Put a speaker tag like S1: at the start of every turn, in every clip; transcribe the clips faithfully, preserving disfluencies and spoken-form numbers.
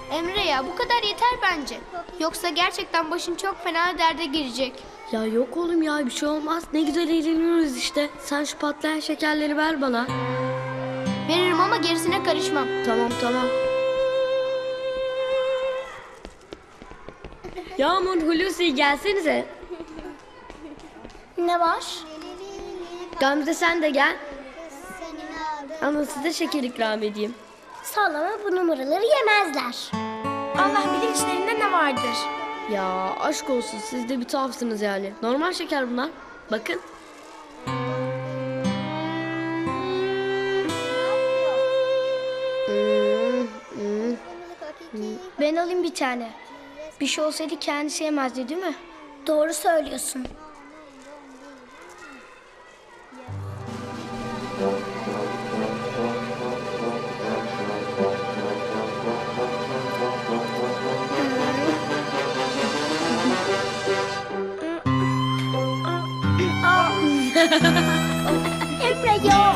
S1: Emre ya bu kadar yeter bence. Yoksa gerçekten başın çok fena derde girecek.
S2: Ya yok oğlum ya, bir şey olmaz. Ne güzel eğleniyoruz işte. Sen şu patlayan şekerleri ver bana.
S1: Veririm ama gerisine karışmam.
S2: Tamam tamam. Yağmur, Hulusi gelsenize.
S1: Ne var?
S2: Gamze sen de gel. Ama size şeker ikram edeyim.
S1: Sallama, bu numaraları yemezler. Allah bilir içlerinde ne vardır.
S2: Ya aşk olsun, siz de bir tuhafsınız yani. Normal şeker bunlar. Bakın. Hmm, hmm.
S1: Ben alayım bir tane. Bir şey olsaydı kendisi yemezdi değil mi? Doğru söylüyorsun. Emre ya.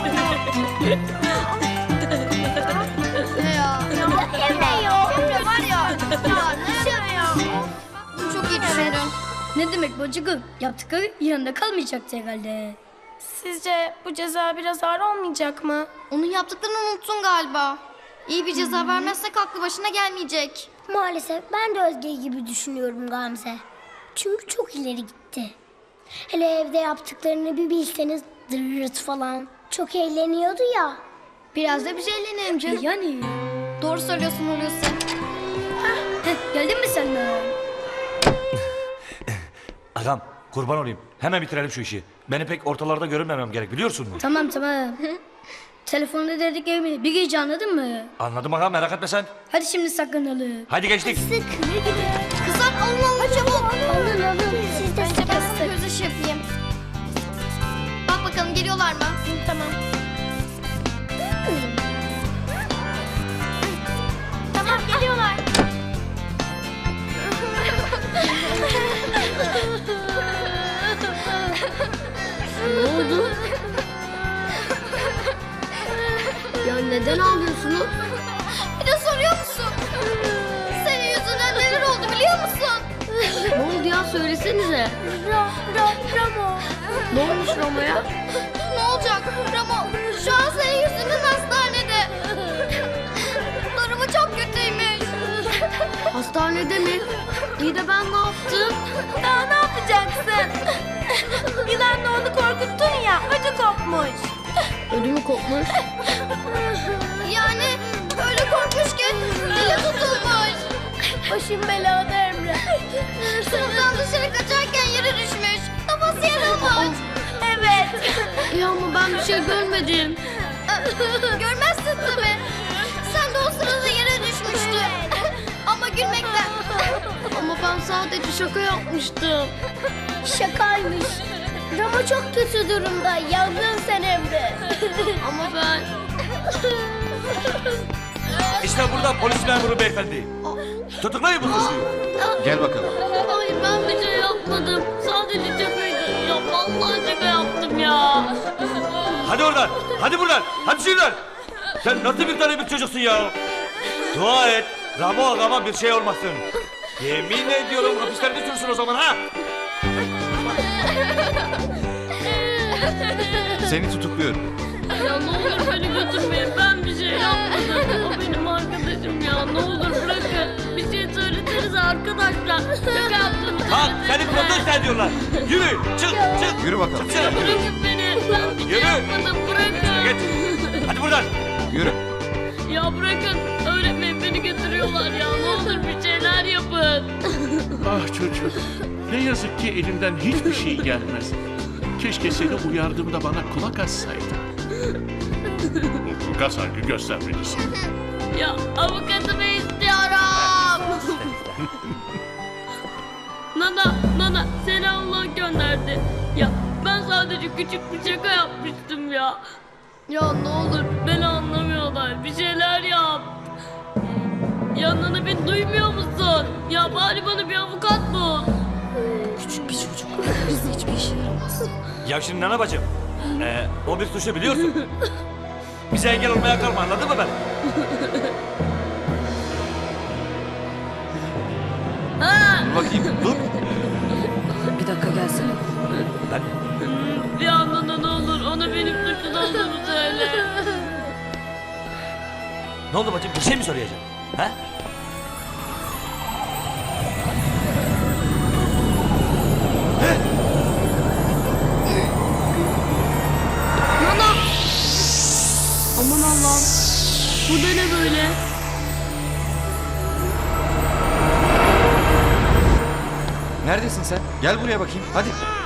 S1: Ne ya? Emre ya. Emre var ya. Ya ne ya? Çok iyi düşündün.
S2: Ne demek bacıkım? Yaptıkları yanında kalmayacaktı herhalde.
S3: Sizce bu ceza biraz ağır olmayacak mı?
S1: Onun yaptıklarını unuttun galiba. İyi bir ceza vermezsek aklı başına gelmeyecek.
S4: Maalesef ben de Özge gibi düşünüyorum Gamze. Çünkü çok ileri gitti. Hele evde yaptıklarını bir bilseniz, dırırıt falan. Çok eğleniyordu ya.
S1: Biraz da biz eğlenelim canım.
S2: Yani.
S1: Doğru söylüyorsun Hulusi.
S2: Heh, geldin mi sen de?
S5: Ağam kurban olayım. Hemen bitirelim şu işi. Beni pek ortalarda görünmemem gerek, biliyorsun mu?
S2: Tamam tamam. Telefonda dediklerimi bir gece anladın mı?
S5: Anladım ağam, merak etme sen.
S2: Hadi şimdi saklanalım.
S5: Hadi geçtik.
S1: Kızlar alın alın çabuk.
S4: Alın alın. Siz de
S1: Önce
S4: sıkı
S1: ben
S4: sıkı.
S1: sana göz ışığı yapayım. Bak bakalım geliyorlar mı?
S3: Tamam. Tamam geliyorlar.
S2: Ne oldu? Ya neden ağlıyorsunuz?
S1: Bir de soruyor musun? Senin yüzünden neler oldu biliyor musun?
S2: Ne oldu ya, söylesenize.
S1: Ra, ra, Ramo.
S2: Ne olmuş Roma'ya?
S1: Ne olacak Ramo? Şu an senin yüzünden hastanede. Durumu çok kötüymüş.
S2: Hastanede mi? İyi de ben ne yaptım?
S3: Daha ne yapacaksın? Yılanla onu korkuttun ya, ödü kopmuş.
S2: Ödümü kopmuş.
S1: Yani öyle korkmuş ki dili tutulmuş.
S3: Başım belada Emre.
S1: Sınıftan dışarı kaçarken yere düşmüş. Kafası yarılmış.
S3: Evet.
S2: Ya ama ben bir şey görmedim.
S1: Görmezsin tabii. Sen de o sırada yere düşmüştün. Ama gülmekten.
S2: Ama ben sadece şaka yapmıştım.
S4: Şakaymış. Ramo çok kötü durumda. Yandın sen Emre.
S2: Ama ben...
S5: İşte burada polis memuru beyefendi. Tutuklayın bu suçluyu.
S6: Gel bakalım.
S2: Hayır, ben bir şey yapmadım. Sadece şakaydı. Ya vallahi şaka yaptım ya.
S5: Hadi oradan, hadi buradan, hadi şuradan. Sen nasıl bir tane bir çocuksun ya? Dua et, Ramo ağama bir şey olmasın. Yemin ediyorum hapislerde sürsün o zaman ha.
S6: Seni tutukluyorum.
S2: Ya ne olur beni götürmeyin. Ben bir şey yapmadım. O benim arkadaşım ya. Ne olur bırakın. Bir şey söylesenize arkadaşlar. Şaka yaptım.
S5: Bak seni protesto ediyorlar. Yürü, çık, çık.
S6: Yürü bakalım.
S5: Çıksana.
S2: Bırakın beni. Ben bir şey
S5: Yürü.
S2: yapmadım. Bırakın.
S5: Geç. Hadi buradan.
S6: Yürü.
S2: Ya bırakın. Öğretmeyin, beni götürüyorlar ya. Ne olur bir şeyler yapın.
S7: Ah çocuk, ne yazık ki elimden hiçbir şey gelmez. Keşke seni uyardığımda bana kulak assaydın. Mutlaka saygı göstermelisin.
S2: Ya avukatımı istiyorum. Nana, Nana seni Allah gönderdi. Ya ben sadece küçük bir şaka yapmıştım ya. Ya ne olur beni anlamıyorlar. Bir şeyler yap. Ya Nana, beni duymuyor musun? Ya bari bana bir avukat bul. Küçük bir çocuk. Bizde hiçbir işe yaramaz.
S5: Ya şimdi Nana bacım, ee, o bir suçlu biliyorsun. Bize engel olmaya kalma, anladın mı ben?
S6: Dur bakayım. Dur.
S8: Bir dakika gelsene.
S5: Ben
S2: Bir anda ne olur ona benim suçlu olduğumu söyle.
S5: ne oldu bacım? Bir şey mi söyleyeceğim? Ha?
S2: Nana! Aman Allah'ım. Bu da ne böyle?
S6: Neredesin sen? Gel buraya bakayım. Hadi.